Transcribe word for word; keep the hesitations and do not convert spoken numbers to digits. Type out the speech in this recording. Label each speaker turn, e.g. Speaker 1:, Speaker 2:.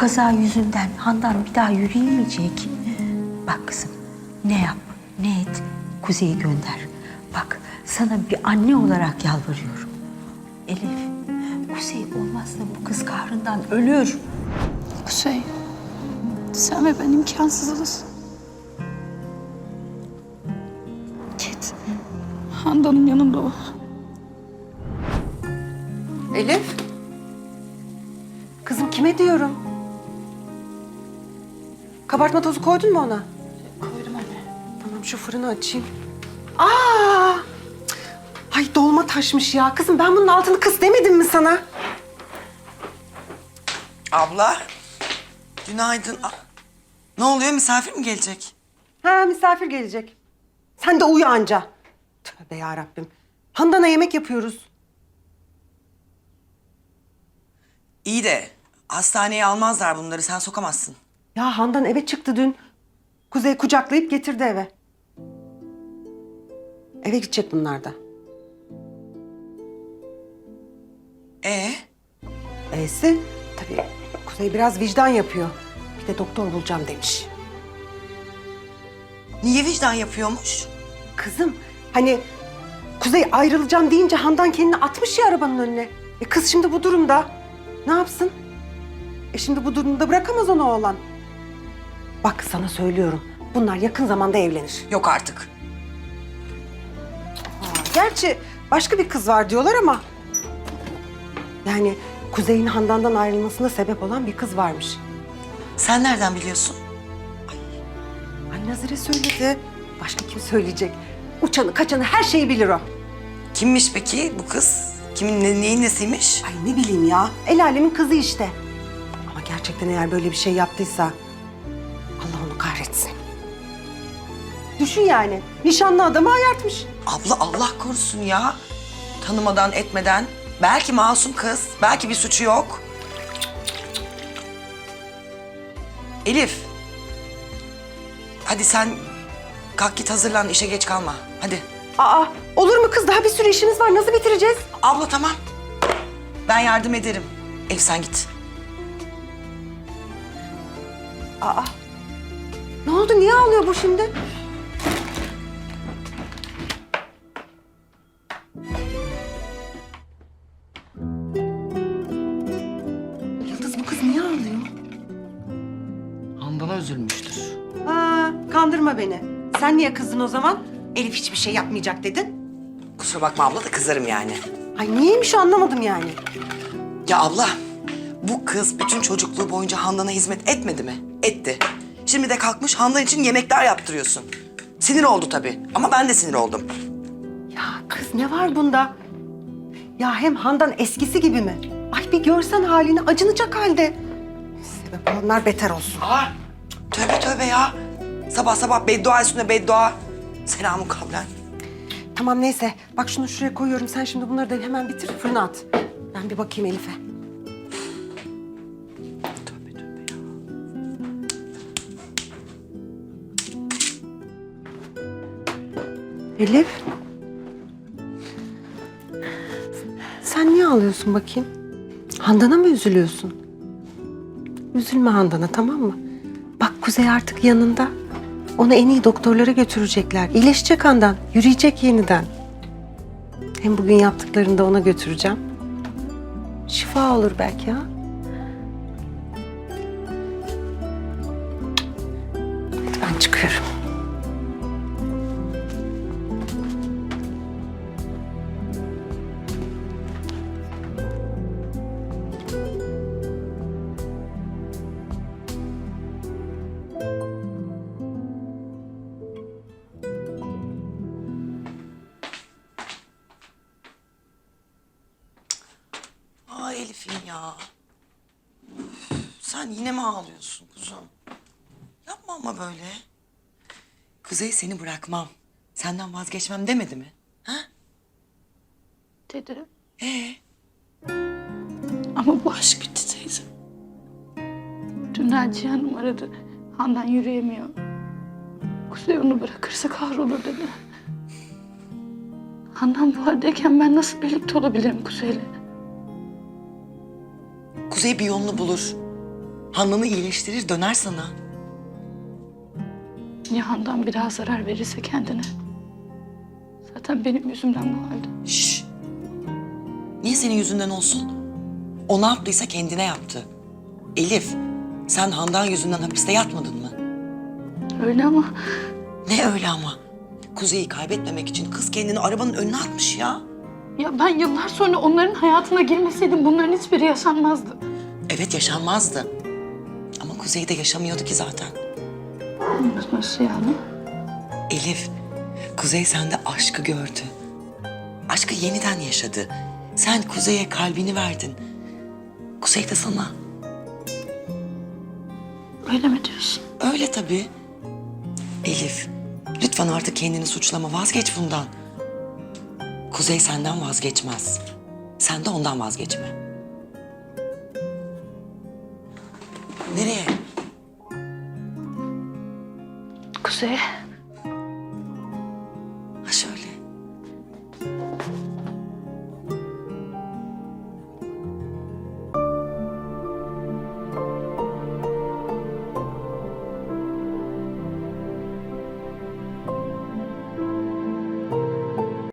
Speaker 1: kaza yüzünden Handan bir daha yürüyemeyecek. Bak kızım, ne yap, ne et, Kuzey'i gönder. Bak, sana bir anne olarak yalvarıyorum. Elif, Kuzey olmazsa bu kız kahrından ölür.
Speaker 2: Kuzey, sen ve ben imkansızız. Git, Handan'ın yanında ol.
Speaker 3: Elif. Kızım kime diyorum? Kabartma tozu koydun mu ona?
Speaker 2: Koydum anne.
Speaker 3: Tamam şu fırını açayım. Aa! Cık. Ay dolma taşmış ya. Kızım ben bunun altını kıs demedim mi sana?
Speaker 4: Abla, günaydın. Ah, ne oluyor, misafir mi gelecek?
Speaker 3: Ha misafir gelecek. Sen de uyu anca. Tövbe yarabbim. Handan'a yemek yapıyoruz.
Speaker 4: İyi de hastaneye almazlar bunları, sen sokamazsın.
Speaker 3: Ya Handan eve çıktı dün. Kuzey kucaklayıp getirdi eve. Eve gidecek bunlar da.
Speaker 4: Ee,
Speaker 3: E'si tabii Kuzey biraz vicdan yapıyor. Bir de doktor bulacağım demiş.
Speaker 4: niye vicdan yapıyormuş?
Speaker 3: Kızım hani Kuzey ayrılacağım deyince Handan kendini atmış ya arabanın önüne. E kız şimdi bu durumda ne yapsın? E şimdi bu durumda bırakamaz onu oğlan. Bak sana söylüyorum bunlar yakın zamanda evlenir.
Speaker 4: Yok artık.
Speaker 3: Gerçi başka bir kız var diyorlar ama... Yani Kuzey'in Handan'dan ayrılmasına sebep olan bir kız varmış.
Speaker 4: Sen nereden biliyorsun?
Speaker 3: Ay Nazire söyledi. Başka kim söyleyecek? Uçanı kaçanı her şeyi bilir o.
Speaker 4: Kimmiş peki bu kız? Kimin ne, neyin nesiymiş?
Speaker 3: Ay ne bileyim ya. El alemin kızı işte. Ama gerçekten eğer böyle bir şey yaptıysa... Allah onu kahretsin. Düşün yani. Nişanlı adamı ayartmış.
Speaker 4: Abla Allah korusun ya. Tanımadan etmeden. Belki masum kız, belki bir suçu yok. Elif. Hadi sen kalk git hazırlan, işe geç kalma. Hadi.
Speaker 3: Aa olur mu kız? Daha bir sürü işimiz var. Nasıl bitireceğiz?
Speaker 4: Abla tamam. Ben yardım ederim. Elif sen git.
Speaker 3: Aa. Ne oldu? Niye ağlıyor bu şimdi? Yıldız bu kız niye ağlıyor?
Speaker 4: Handan'a üzülmüştür.
Speaker 3: Aa, kandırma beni. Sen niye kızdın o zaman? Elif hiçbir şey yapmayacak dedin.
Speaker 4: Kusura bakma abla da kızarım yani.
Speaker 3: Ay niyeymiş o anlamadım yani.
Speaker 4: Ya abla, bu kız bütün çocukluğu boyunca Handan'a hizmet etmedi mi? Etti. Şimdi de kalkmış Handan için yemekler yaptırıyorsun. Sinir oldu tabii ama ben de sinir oldum.
Speaker 3: Ya kız ne var bunda? Ya hem Handan eskisi gibi mi? Ay bir görsen halini acınacak halde. Sebep olanlar beter olsun.
Speaker 4: Aa, tövbe tövbe ya. Sabah sabah beddua üstüne beddua. Selamun kavlen.
Speaker 3: Tamam neyse. Bak şunu şuraya koyuyorum. Sen şimdi bunları da hemen bitir fırına at. Ben bir bakayım Elif'e.
Speaker 4: Tövbe tövbe ya.
Speaker 3: Elif. Sen niye ağlıyorsun bakayım? Handan'a mı üzülüyorsun? Üzülme Handan'a tamam mı? Bak Kuzey artık yanında. Onu en iyi doktorlara götürecekler. İyileşecek Handan. Yürüyecek yeniden. Hem bugün yaptıklarını da ona götüreceğim. Şifa olur belki ha. Hadi ben çıkıyorum.
Speaker 4: Ay Elif'im ya. Üf, sen yine mi ağlıyorsun kuzum? Yapma ama böyle. Kuzey seni bırakmam. Senden vazgeçmem demedi mi? Ha?
Speaker 2: Dedi.
Speaker 4: Ee?
Speaker 2: Ama bu aşk bitti teyze. Dün Naciye Hanım aradı. Handan yürüyemiyor. Kuzey onu bırakırsa kahrolur dedi. Handan bu haldeyken ben nasıl birlikte olabilirim Kuzey'le?
Speaker 4: Kuzey bir yolunu bulur. Handan'ı iyileştirir, döner sana.
Speaker 2: Ya Handan bir daha zarar verirse kendine? Zaten benim yüzümden bu halde.
Speaker 4: Şşş. Niye senin yüzünden olsun? O ne yaptıysa kendine yaptı. Elif, sen Handan yüzünden hapiste yatmadın mı?
Speaker 2: Öyle ama
Speaker 4: Ne öyle ama? Kuzey'i kaybetmemek için kız kendini arabanın önüne atmış ya.
Speaker 2: ya ben yıllar sonra onların hayatına girmeseydim bunların hiçbiri yaşanmazdı.
Speaker 4: Evet, yaşanmazdı. Ama Kuzey de yaşamıyordu ki zaten.
Speaker 2: Nasıl yani?
Speaker 4: Elif, Kuzey sende aşkı gördü. Aşkı yeniden yaşadı. Sen Kuzey'e kalbini verdin. Kuzey de sana.
Speaker 2: Öyle mi diyorsun?
Speaker 4: Öyle tabii. Elif, lütfen artık kendini suçlama. Vazgeç bundan. Kuzey senden vazgeçmez. Sen de ondan vazgeçme. Nereye?
Speaker 2: Kuzey.